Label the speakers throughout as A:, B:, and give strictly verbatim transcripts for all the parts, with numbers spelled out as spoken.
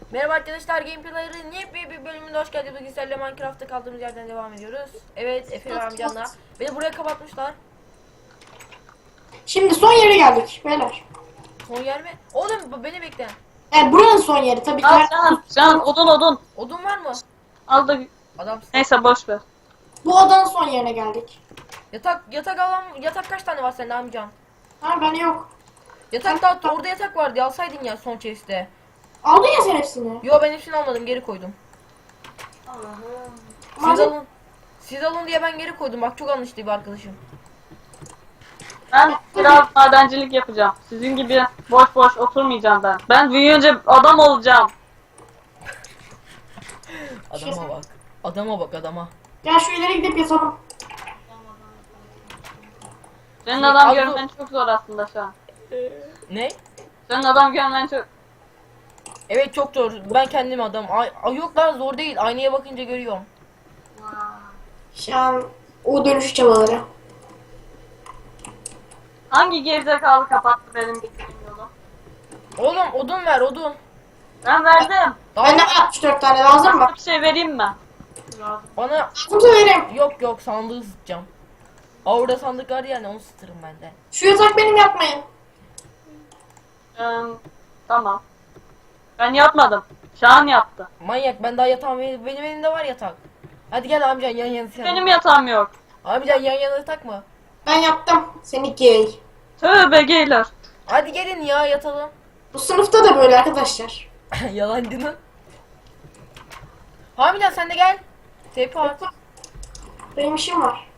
A: Merhaba arkadaşlar, Gameplay'ların yepyeni bir bölümünde hoş geldiniz. Bugün sizlerle Minecraft'ta kaldığımız yerden devam ediyoruz. Evet, Efe ve amcamla. Beni buraya kapatmışlar.
B: Şimdi son yere geldik beyler.
A: Son yer mi? Oğlum bu- beni bekle.
B: Evet buranın son yeri tabii ki.
C: Al can, can odun odun.
A: Odun var mı?
C: Al da
A: Adamsın.
C: neyse boş ver.
B: Bu odanın son yerine geldik.
A: Yatak yatak alan yatak kaç tane var sende amcam?
B: Ha ben yok.
A: Yatak da orada yatak vardı. Alsaydın ya son chest'te.
B: Aldın ya sen hepsini.
A: Yo, ben hepsini almadım, geri koydum. Siz
B: Malzeme-
A: alın. Siz alın diye ben geri koydum. Bak çok anlaştı bir arkadaşım.
C: Ben biraz madencilik yapacağım. Sizin gibi boş boş oturmayacağım ben. Ben büyüyünce adam olacağım.
A: Adama bak. Adama bak adama.
B: Gel şu ileri gidip yatalım.
C: Senin
A: Al
C: adam
A: bu-
C: görmen çok zor aslında şu an.
A: Ne?
C: Senin adam görmen çok...
A: Evet çok zor. Ben kendim adam. Ay, ay yok lan, zor değil. Aynaya bakınca görüyorum.
B: Şu an o dönüşü çabaları.
C: Hangi gerizekalı kapattı benim gittiğim yolu?
A: Oğlum odun ver, odun.
C: Ben verdim.
A: Daha
B: Bende altmış dört tane lazım mı?
C: Bir şey vereyim mi?
A: bana
B: Lazımsa vereyim.
A: yok yok, sandığı ısıtacağım. Aa, orada sandık var yani, onu ısıtırım ben de.
B: Şu yatak benim, yapmayın.
C: Ee, tamam. Ben yapmadım. Şahan yaptı.
A: Manyak, ben daha yatağım, benim benim elimde var yatak. Hadi gel amcan, yan yana yatalım.
C: Benim yatağım yok.
A: Amcan yan yana yatak mı?
B: Ben yaptım. Seni gay.
C: Tövbe geyler.
A: Hadi gelin ya, yatalım.
B: Bu sınıfta da böyle arkadaşlar.
A: Yalancının. Hamile sen de gel. Tepe at.
B: Benim işim var.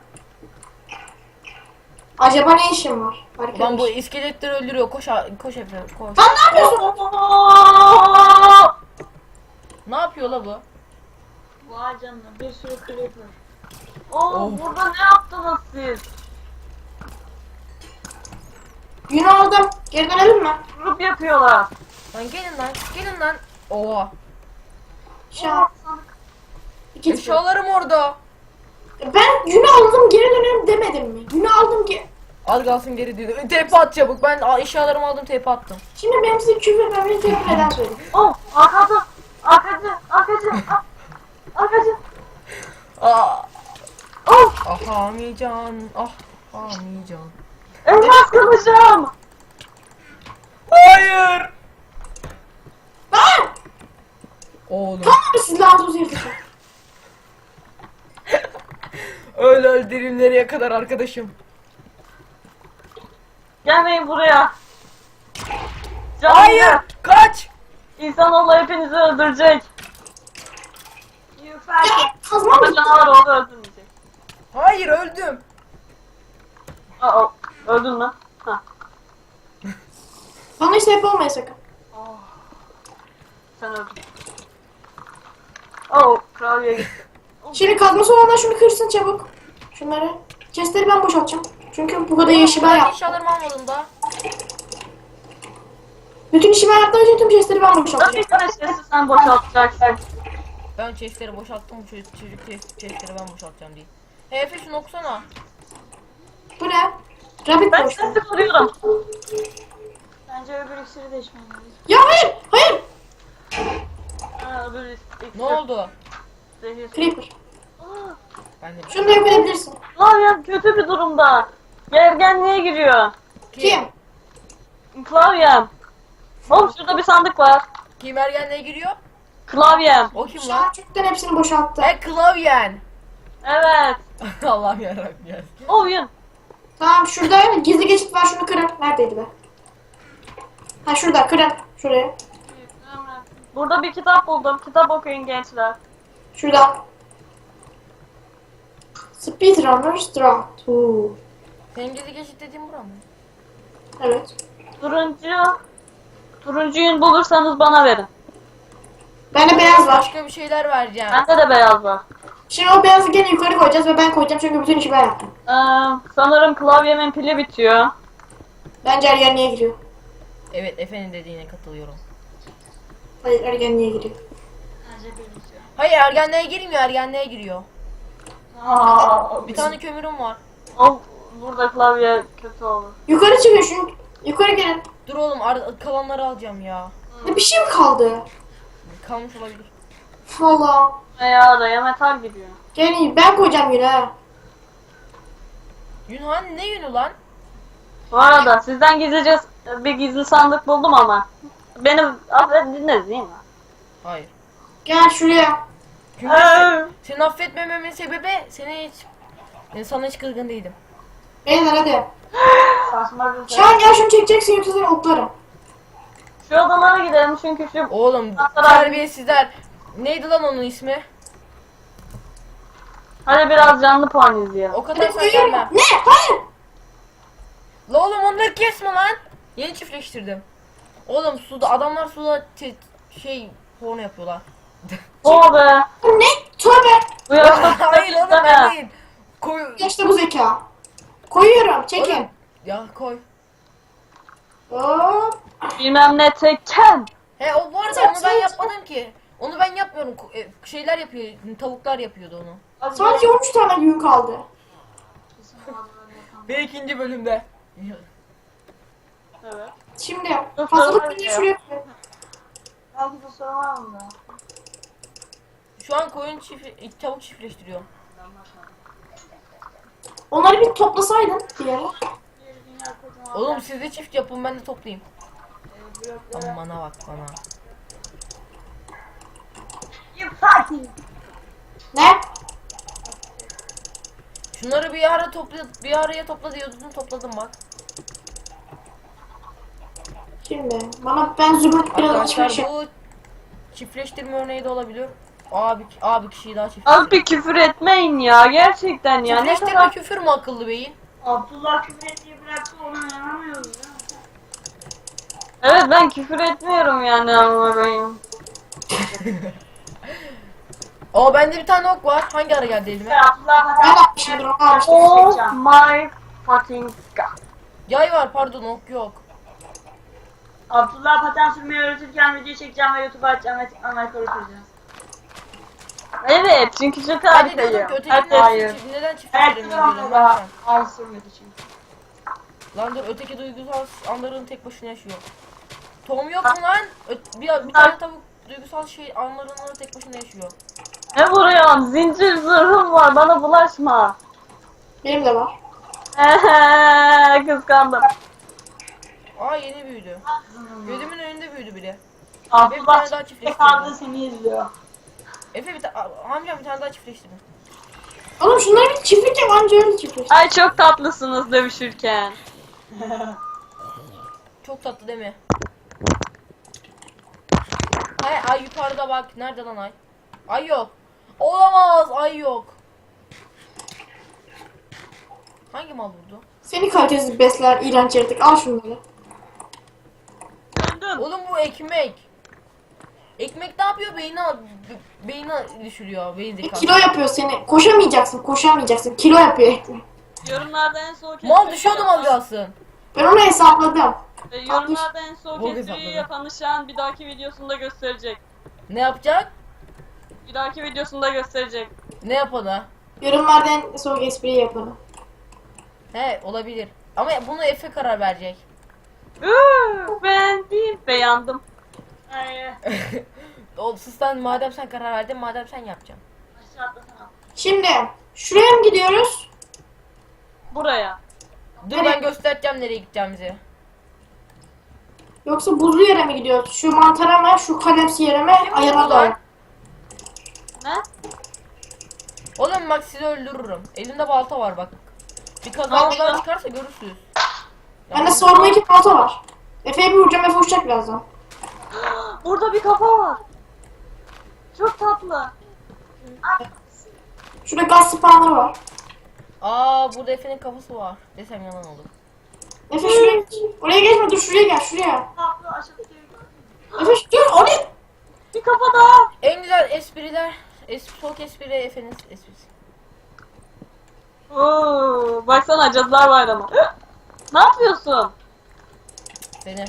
B: Acaba ne işim var? Arkadaş.
A: Ulan bu iskeletleri öldürüyor. Koş a- koş Efe, koş.
B: Lan ne yapıyorsun?
A: Ne yapıyor la bu?
C: Vay canına, bir sürü creeper. Oo,
A: Of.
C: burada ne yaptınız siz?
B: Yünü aldım. Geri dönelim mi?
C: Grup yapıyorlar.
A: Lan gelin lan, gelin lan. Oha.
B: Şu an. İki
A: Eşyalarım orada.
B: Ben yünü aldım, geri dönelim demedim mi? Yünü aldım ki.
A: Al kalsın, geri diyor. Tepe at çabuk. Ben a- eşyalarımı aldım, tepe attım.
B: Şimdi benim size küfür etmemi tepki neden söyledim?
C: Oh, arkacı, arkacı, arkacı, ar- arkacı.
A: Aa.
C: Oh,
A: Ah Hamican. Ah Hamican.
C: elmas kılıcım.
A: Hayır.
B: Lan!
A: Oğlum.
B: Tamam mı siz lazım yırtıcı?
A: Öyle öldüreyim nereye kadar arkadaşım.
C: Gelmeyin buraya. Canım,
A: Hayır. Kaç.
C: İnsanoğlu hepinizi öldürecek.
B: Ya kazmam
C: Ama
B: mı?
C: canavar oldu öldürmeyecek.
A: Hayır, öldüm.
C: Aa, öldün mü? Hah.
B: Bana işte hep olmaya sakın.
C: Sen öldün. Oh, kraliye gitti.
B: Şimdi kazması olanlar şunu kırsın çabuk. Şunları. Chestleri ben boşaltacağım. Çünkü bu kadar işi ben
A: Ben
B: yaptım.
A: eşyalarımı almadım da.
B: Bütün işi ben yaptığım için tüm chestleri ben
C: Nasıl
B: boşaltacağım.
C: bir tane sesi sen boşaltacaksın?
A: Ben chestleri boşalttım. Bu çocuk, çocuk chest- chestleri ben boşaltacağım diye. Hey Efe, şunu okusana.
B: Bu ne? Rabbit
C: Ben
B: boşluğu.
C: sesi kuruyorum. Bence öbür iksiri de içmem lazım.
B: Ya hayır! Hayır!
C: Ha, öbür iksir.
A: Ne oldu?
C: Zehir.
B: Creeper.
A: Ben de
B: Şunu da yok edebilirsin.
C: Klavyem kötü bir durumda. Gergenliğe giriyor.
B: Kim?
C: Klavyem. Oğlum şurada bir sandık var.
A: Kim ergenliğe giriyor?
C: Klavyem.
A: O kim
B: Şu
A: lan?
B: an çoktan hepsini boşalttı.
A: He, klavyen.
C: Evet.
A: Allah'ım yarabbim ya.
C: Oyun.
B: Tamam şurada gizli geçit var, şunu kırın. Neredeydi be? Ha şurada, kırın. Şuraya.
C: Burada bir kitap buldum. Kitap okuyun gençler.
B: Şurada. Speedrunners Draft. Oo.
A: Senin gezi geçit dediğin bura mı?
B: Evet.
C: Turuncu. Turuncuyu bulursanız bana verin.
B: Bende beyaz var.
A: Başka bir şeyler vereceğim.
C: Bende de beyaz var.
B: Şimdi o beyazı gene yukarı koyacağız ve ben koyacağım çünkü bütün işi ben yaptım.
C: Ee, sanırım klavyemin pili bitiyor.
B: Bence ergenliğe giriyor.
A: Evet, Efe'nin dediğine katılıyorum.
B: Hayır, ergenliğe giriyor.
A: Hayır, ergenliğe girmiyor, ergenliğe giriyor.
C: Aa,
A: Bir tane kömürüm var.
C: o, burada klavye kötü olur.
B: Yukarı çıkın, şu yukarı gelin.
A: Dur oğlum, ar- kalanları alacağım ya.
B: Ne bir şey mi kaldı?
A: kalmış olabilir.
B: Valla.
C: Ya araya metal gidiyor.
B: Gel ben koyacağım yine ha.
A: Yunhan ne yünü lan?
C: Bu arada sizden gizlice bir gizli sandık buldum ama. Beni affediniz değil mi?
A: Hayır.
B: Gel şuraya.
A: Çünkü sen, seni affetmememin sebebi seni hiç yani sana hiç kırgın değilim.
B: Beyler hadi.
C: Saçma bir şey.
B: Şahan gel şunu çekeceksin yoksa seni oklarım.
C: Şu odalara gidelim çünkü şu
A: Oğlum
C: Hasan abi.
A: terbiyesizler. Neydi lan onun ismi?
C: hadi biraz canlı puan izleyelim.
A: O kadar
B: Hadi
A: sen
B: koyuyorum.
A: gelme.
B: Ne? Hayır.
A: La oğlum onları kesme lan. Yeni çiftleştirdim. Oğlum suda adamlar suda te- şey porno yapıyorlar.
C: O be.
B: Ne? Tövbe.
C: Bu yaşta
A: Hayır oğlum ben değil. Koy.
B: İşte bu zeka. Koyuyorum. Çekin.
A: Oğlum, ya koy.
B: Hop.
C: Bilmem ne tekken.
A: He o bu arada
B: Sen-
A: onu ben
B: sen-
A: yapmadım ki. Onu ben yapmıyorum. Ko- e, Şeyler yapıyor. Tavuklar yapıyordu onu.
B: Sadece on üç tane gün kaldı.
A: Ve ikinci bölümde.
C: Evet.
B: Şimdi
C: Dur,
B: hazırlık
C: tamam
B: günü
C: ya.
B: şuraya koy.
C: Belki bu soru var mı?
A: Şu an koyun çift tavuk çiftleştiriyor.
B: Onları bir toplasaydın bir yere.
A: Oğlum siz de çift yapın ben de toplayayım. Aman bana bak bana.
B: Ne?
A: Şunları bir ara topla bir araya topla diyordun topladım bak.
B: Şimdi bana ben zümrüt biraz
A: Arkadaşlar
B: açmış.
A: bu çiftleştirme örneği de olabilir. Abi abi kişiyi daha
C: Abi
A: çiftleştir.
C: bir küfür etmeyin ya gerçekten ya. Ne
A: Çiftleştirme
C: kadar...
A: küfür mü akıllı beyin?
D: Abdullah küfür ettiği bıraktı onu inanamıyoruz ya.
C: Evet ben küfür etmiyorum yani ama benim.
A: Aa bende bir tane ok var. Hangi ara geldi elime?
D: Abdullah
B: Ben
D: bana
B: atmışımdır onu almıştım.
C: Oh my fucking god.
A: Yay var pardon ok yok.
D: Abdullah paten sürmeyi öğretirken video çekeceğim ve YouTube'a açacağım ve tıklamayı koruyacağız.
C: Evet çünkü çok
A: Hadi diyordum
C: harikayım.
A: ki öteki
C: Hadi
A: neden,
C: hayır.
A: çift- neden
D: Evet,
A: çiftleştiremiyorum
D: tamam
A: diyorum ben
D: baba.
A: sen.
D: Al sürmedi çünkü.
A: Lan dur öteki duygusal anların tek başına yaşıyor. Tom yok mu lan? Ö- bir, bir tane tavuk duygusal şey anlarını tek başına yaşıyor.
C: Ne vuruyorsun? Zincir zırhım var bana bulaşma.
B: Benim de var.
C: Ehe, kıskandım.
A: Aa yeni büyüdü. Gözümün önünde büyüdü biri.
D: Abdullah
A: Bir tane daha
D: çiftlik
A: çiftleştirdi.
D: kaldı seni izliyor.
A: Efe bir tane amcam bir tane daha çiftleştirdi.
B: Oğlum şunları bir çiftlik yap anca öyle çiftlik.
C: Ay çok tatlısınız dövüşürken.
A: Çok tatlı değil mi? Hay ay yukarıda bak. Nerede lan ay? Ay yok. Olamaz ay yok. Hangi mal vurdu?
B: Seni kalitesiz besler iğrenç yaratık. Al şunları.
C: Döndüm.
A: Oğlum bu ekmek. Ekmek ne yapıyor? Beyni be- beyni düşürüyor. Beyin
B: E,
A: zekası.
B: kilo yapıyor seni. Koşamayacaksın, koşamayacaksın. Kilo yapıyor ekmek.
C: Yorumlarda en soğuk
A: Mal
C: espri
A: düşüyordum
C: yapan-
A: az kalsın.
B: Ben onu hesapladım.
C: E, Yorumlarda en soğuk
A: Bol
C: espriyi
A: hesapladı.
C: yapanı şu an bir dahaki videosunda gösterecek.
A: Ne yapacak?
C: Bir dahaki videosunda gösterecek.
A: Ne yapana?
B: Yorumlarda en soğuk espriyi yapanı.
A: He olabilir. Ama bunu Efe karar verecek.
C: Uuu, ben değil beğendim.
D: Hayır.
A: O sistem madem sen karar verdin madem sen yapacaksın.
D: Aşağı atlasana.
B: Şimdi şuraya mı gidiyoruz?
C: Buraya.
A: Dur
B: Nereye?
A: ben göstereceğim nereye gideceğimizi.
B: Yoksa buzlu yere mi gidiyoruz? Şu mantara mı? Şu kalemsi yere mi? Ayağına
A: Ulan.
B: doğru.
C: Ne?
A: Oğlum bak sizi öldürürüm. Elimde balta var bak. Bir kazanmadan çıkarsa görürsünüz.
B: Bende sorma iki balta var. Efe'ye bir vuracağım, Efe uçacak birazdan.
C: Burada bir kafa var. Çok tatlı.
B: Şurada gaz spawnları var.
A: Aa burada Efe'nin kafası var. Desem yalan olur.
B: Efe şuraya geç. Oraya geçme, dur şuraya gel, şuraya.
D: Abdullah aşağıdaki
B: Efe şu- dur, oraya.
C: Bir kafa daha.
A: En güzel espriler, es soğuk espri Efe'nin esprisi.
C: Oo, baksana Cadılar Bayramı. Ne yapıyorsun?
A: Seni.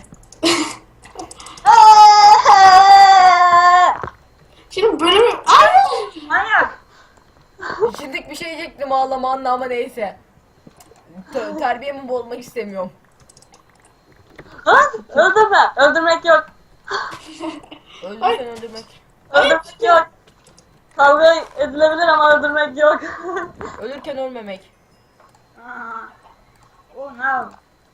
B: Şimdi bölümü... Ay!
D: manyak.
A: Şimdilik bir şey diyecektim ağlama anla ama neyse. Te- terbiyemi bozmak istemiyorum.
C: Ha? Öldürme. Öldürmek yok.
A: Öldürsen öldürmek.
C: Öldürmek yok. Kavga edilebilir ama öldürmek yok.
A: Ölürken ölmemek.
D: Aa. Oh no.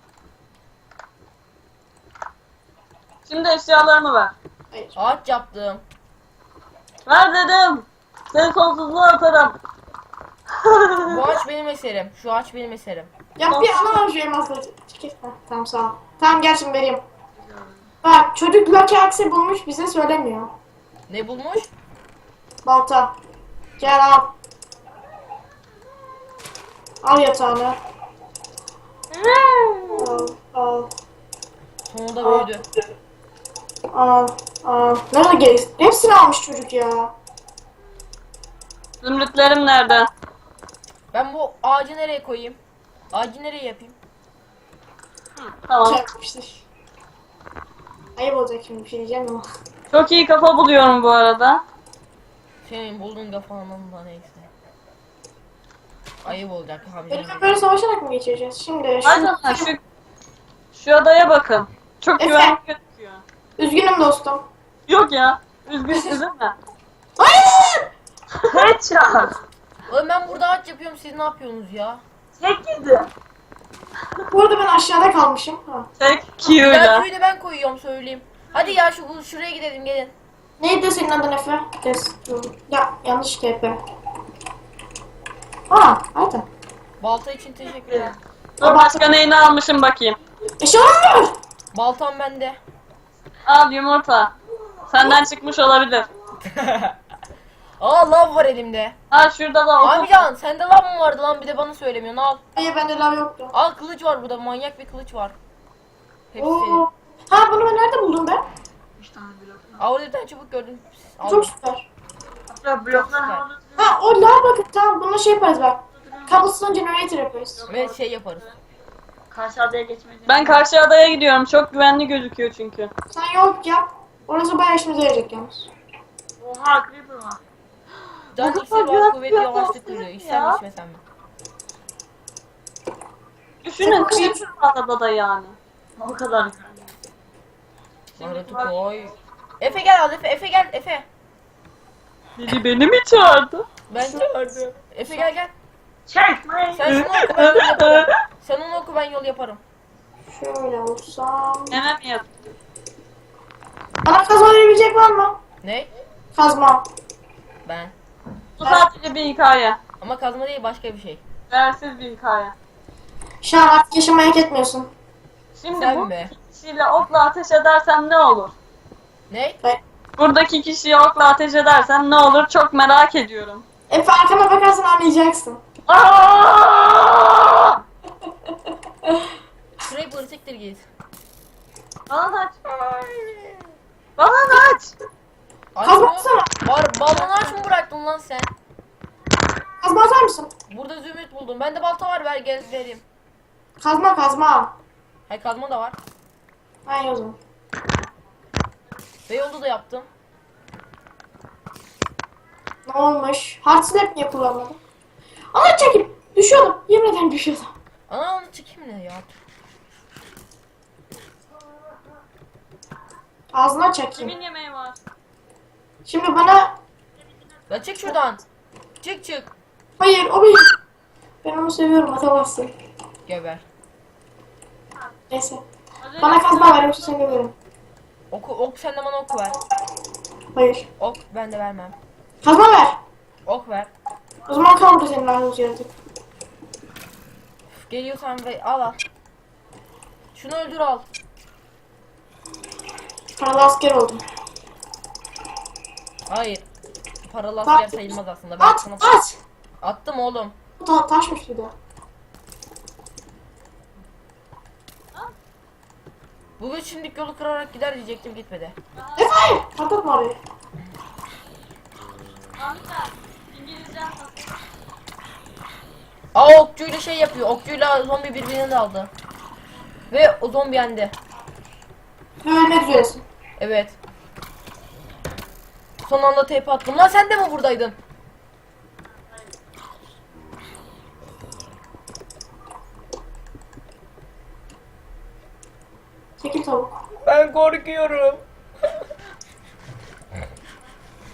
C: Şimdi eşyalarını ver.
B: Hayır.
A: Ağaç yaptım.
C: Ver dedim. Seni sonsuzluğa atarım.
A: Bu ağaç benim eserim. Şu ağaç benim eserim.
B: Ya bir ana var şu elmasları. Çekil. Heh, tamam sağ ol. Tamam gel şimdi vereyim. Bak çocuk Lucky Axe bulmuş bize söylemiyor.
A: Ne bulmuş?
B: Balta. Gel al. Al yatağını. Al. Al.
A: Sonunda
B: Aa.
A: büyüdü.
B: Al. Al. Nerede gerek? Hepsini almış çocuk ya.
C: Zümrütlerim nerede?
A: Ben bu ağacı nereye koyayım? Ağacı nereye yapayım?
C: Tamam.
B: Çarpmıştır. Ayıp olacak şimdi bir şey diyeceğim ama.
C: Çok iyi kafa buluyorum bu arada.
A: Senin bulduğun kafanın da neyse. Ayıp olacak
B: Böyle
A: hamile.
B: böyle savaşarak mı geçireceğiz? Şimdi
C: Aynen
B: şu...
C: şu, şu adaya bakın. Çok
B: Efe.
C: güvenli gözüküyor.
B: Üzgünüm dostum.
C: Yok ya. Üzgün üzülme.
B: Hayır!
D: Headshot.
A: Oğlum ben burada ağaç yapıyorum, siz ne yapıyorsunuz ya?
D: Tek yedi.
B: Bu arada ben aşağıda kalmışım. Ha.
C: Tek
A: Ben
C: Q'yla.
A: suyu da ben koyuyorum söyleyeyim. Hadi ya şu bu- şuraya gidelim gelin.
B: Neydi senin adın Efe? Kes. Ya yanlış T P. Aa, hadi.
A: Balta için teşekkür ederim.
C: Dur başka neyini almışım bakayım.
B: Eşyalar!
A: Baltam bende.
C: Al yumurta. Senden çıkmış olabilir.
A: Aa lav var elimde.
C: Ha şurada da okul.
A: Amcan sende lav mı vardı lan, bir de bana söylemiyorsun, al.
B: Hayır bende lav yoktu.
A: Al kılıç var burada, manyak bir kılıç var. Hepsi.
B: Oo. Ha bunu ben nerede buldum ben?
D: üç tane blok.
A: Aa orada bir tane çubuk gördüm. Al.
B: Çok süper.
D: Hatta bloklar
A: Süper.
D: havada duruyor.
B: Ha o lav bakın tamam bununla şey yaparız bak. Cobblestone generator yaparız.
A: Ve şey yaparız.
D: Karşı adaya geçmedi.
C: Ben karşı adaya gidiyorum. Çok güvenli gözüküyor çünkü.
B: Sen yol yap. Orası bayağı işimize yarayacak yalnız.
D: Oha creeper var.
A: Can
C: Bu
A: iksir
C: kadar
A: var, kuvvet
C: güvenli
A: yavaşlık
C: olsun
A: duruyor.
C: ya.
A: İçsen mi içmesen mi?
C: Düşünün
B: Sen-
C: creeper var adada yani.
D: O kadar.
A: Baharatı koy. Efe gel al Efe, Efe gel Efe.
C: Biri beni mi çağırdı?
A: Ben çağırdım. Efe gel gel.
D: Çekmeyin.
A: Sen şunu oku ben yol yaparım. Sen onu oku ben yol yaparım.
B: Şöyle olsam.
C: Hemen mi yap?
B: Bana kazma verebilecek var mı?
A: Ne?
B: Kazma.
A: Ben.
C: Bu sadece bir hikaye.
A: Ama kazma değil, başka bir şey.
C: Değersiz bir hikaye.
B: Şu an artık yaşamayı hak etmiyorsun.
C: Şimdi
A: Sen
C: bu
A: mi?
C: kişiyle okla ateş edersem ne olur?
A: Ne?
C: Buradaki kişiye okla ateş edersem ne olur? Çok merak ediyorum.
B: Efe arkana bakarsan anlayacaksın.
C: Aa!
A: Şurayı bırtıktır git.
C: Bana aç. Bana aç.
B: Kazma
A: Açma.
B: atsana.
A: Var, balonu aç mı bıraktın lan sen?
B: Kazma atar mısın?
A: Burada zümrüt buldum. Bende balta var, ver gel vereyim.
B: Kazma kazma.
A: Hay kazma da var.
B: Hayır o zaman.
A: Ve yolda da yaptım.
B: Ne olmuş? Hard slap niye kullanmadın? Ana çekil. Düşüyordum. Yemin ederim düşüyordum.
A: Ana onu çekeyim ne ya?
B: Ağzına çekeyim.
C: Kimin yemeği var?
B: Şimdi bana...
A: La çık şuradan. Çık çık.
B: Hayır o benim. Ben onu seviyorum atamazsın.
A: Geber.
B: Neyse.
C: Az önce-
B: Bana kazma ver yoksa seni döverim.
A: Oku, ok sen de bana ok ver.
B: Hayır.
A: Ok ben de vermem.
B: Kazma ver.
A: Ok ver.
B: O zaman kal burada senin ağzını yaratık.
A: Üf, geliyorsan ve al al. Şunu öldür al.
B: Paralı asker oldum.
A: Hayır. Paralı
B: Bak.
A: asker sayılmaz aslında. Ben
B: At
A: sana
B: at.
A: attım oğlum.
B: Bu ta taşmış bir de.
A: Bu üç şimdilik yolu kırarak gider diyecektim, gitmedi.
B: Efe hayır. Patlatma orayı.
C: Amca, İngilizce nasıl?
A: Aa okçuyla şey yapıyor. Okçuyla zombi birbirini de aldı. Ve o zombi yendi.
B: Ve ölmek üzeresin.
A: Evet. Son anda teyp attım. Lan sen de mi buradaydın?
B: Çekil tavuk.
A: Ben korkuyorum.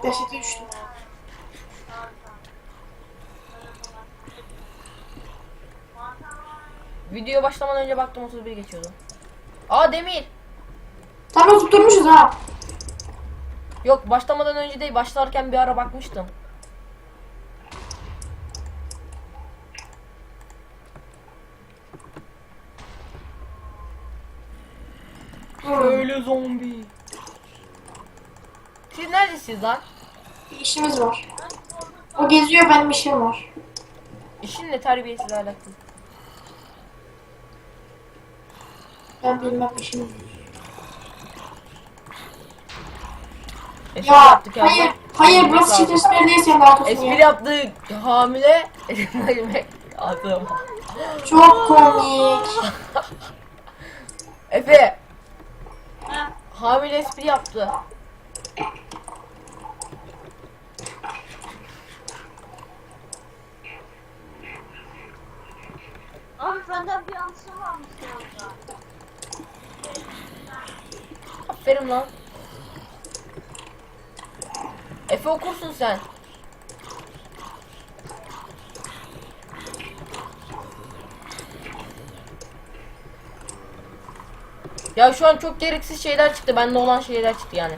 B: Dehşete düştüm.
A: Video başlamadan önce baktım otuz bir geçiyordu. Aa demir.
B: Tam tutturmuşuz ha.
A: Yok başlamadan önce değil, başlarken bir ara bakmıştım. Öyle zombi. Siz neredesiniz lan?
B: Bir işimiz var. O geziyor, benim işim var.
A: İşin ne, terbiyesiz alakalı.
B: Ben bilmem işimi.
A: Espri
B: Ya
A: yaptık ya.
B: hayır, hayır burası çift espri değil, senin arkasın
A: Espri
B: ya.
A: yaptık. Hamile. Yemek aldım.
B: Çok komik.
A: Efe.
C: Heh.
A: Hamile espri yaptı.
C: Abi senden bir yanlışım varmış ya.
A: Aferin lan. Efe okursun sen. Ya şu an çok gereksiz şeyler çıktı. Bende olan şeyler çıktı yani.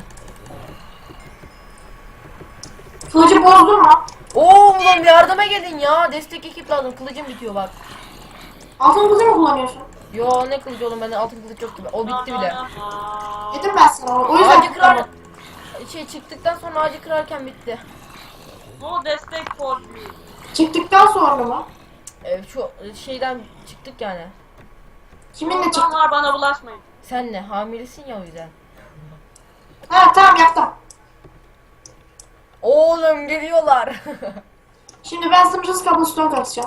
B: Kılıcı bozdun mu?
A: Oo oğlum yardıma gelin ya. Destek ekip lazım. Kılıcım bitiyor bak.
B: Altın kılıcı mı kullanıyorsun?
A: Yo ne kılıcı oğlum, bende altın kılıç yoktu. O bitti bile.
B: Dedim ben sana. O yüzden
A: Ağacı kırar. Şey çıktıktan sonra ağacı kırarken bitti.
C: No destek for me.
B: çıktıktan sonra mı?
A: Ee, şu şeyden çıktık yani.
B: Kiminle çıktın?
C: İnsanlar bana bulaşmayın.
A: Sen ne? Hamilesin ya o yüzden.
B: Ha tamam, yaktım.
A: Oğlum geliyorlar.
B: Şimdi ben sınırsız cobblestone katacağım.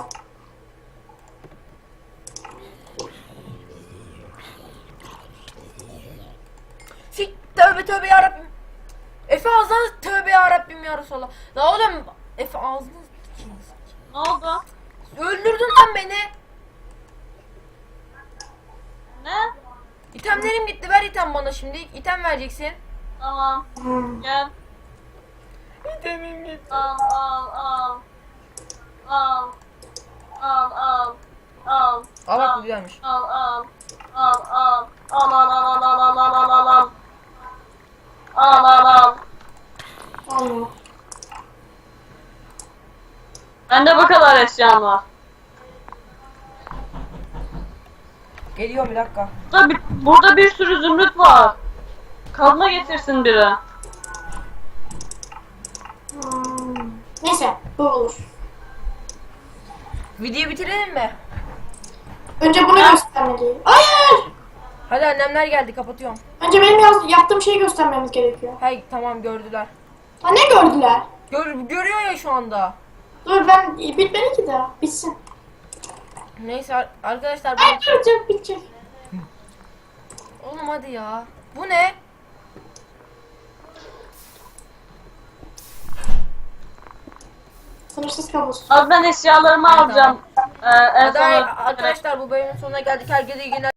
A: Sik tövbe tövbe yarabbim. Efe ağzına tövbe yarabbim ya Resulallah. La oğlum Efe ağzını
C: Ne oldu?
A: öldürdün lan beni.
C: Ne?
A: İtemlerim gitti, ver item bana şimdi. İtem vereceksin.
C: Tamam.
B: Hmm.
C: Gel.
A: İtemim gitti.
C: Al al al. Al. Al al. Al.
A: Aa bak bu güzelmiş.
C: Al al. Al al. Al al al al al al al al al. Al al al.
B: Olmuyor.
C: Bende bu kadar eşyam var.
A: Geliyorum bir dakika.
C: Burada bir, burada bir sürü zümrüt var. Kazma getirsin biri.
B: Hmm. Neyse, bu olur.
A: Videoyu bitirelim mi?
B: Önce bunu göstermeliyim. Hayır!
A: Hadi annemler geldi, kapatıyorum.
B: Önce benim yaz, yaptığım şeyi göstermemiz gerekiyor.
A: Hey tamam gördüler.
B: Ha ne gördüler?
A: Gör, görüyor ya şu anda.
B: Dur ben bitmedi ki daha. Bitsin.
A: Neyse ar- arkadaşlar
B: Ay
A: ben...
B: duracak, bitecek.
A: Oğlum hadi ya. Bu ne?
B: Sınırsız kabus.
C: Az ben eşyalarımı
A: Evet,
C: alacağım. Ee, en
A: Hadi
C: son
A: arkadaşlar bu bölümün sonuna geldik. Herkese iyi günler.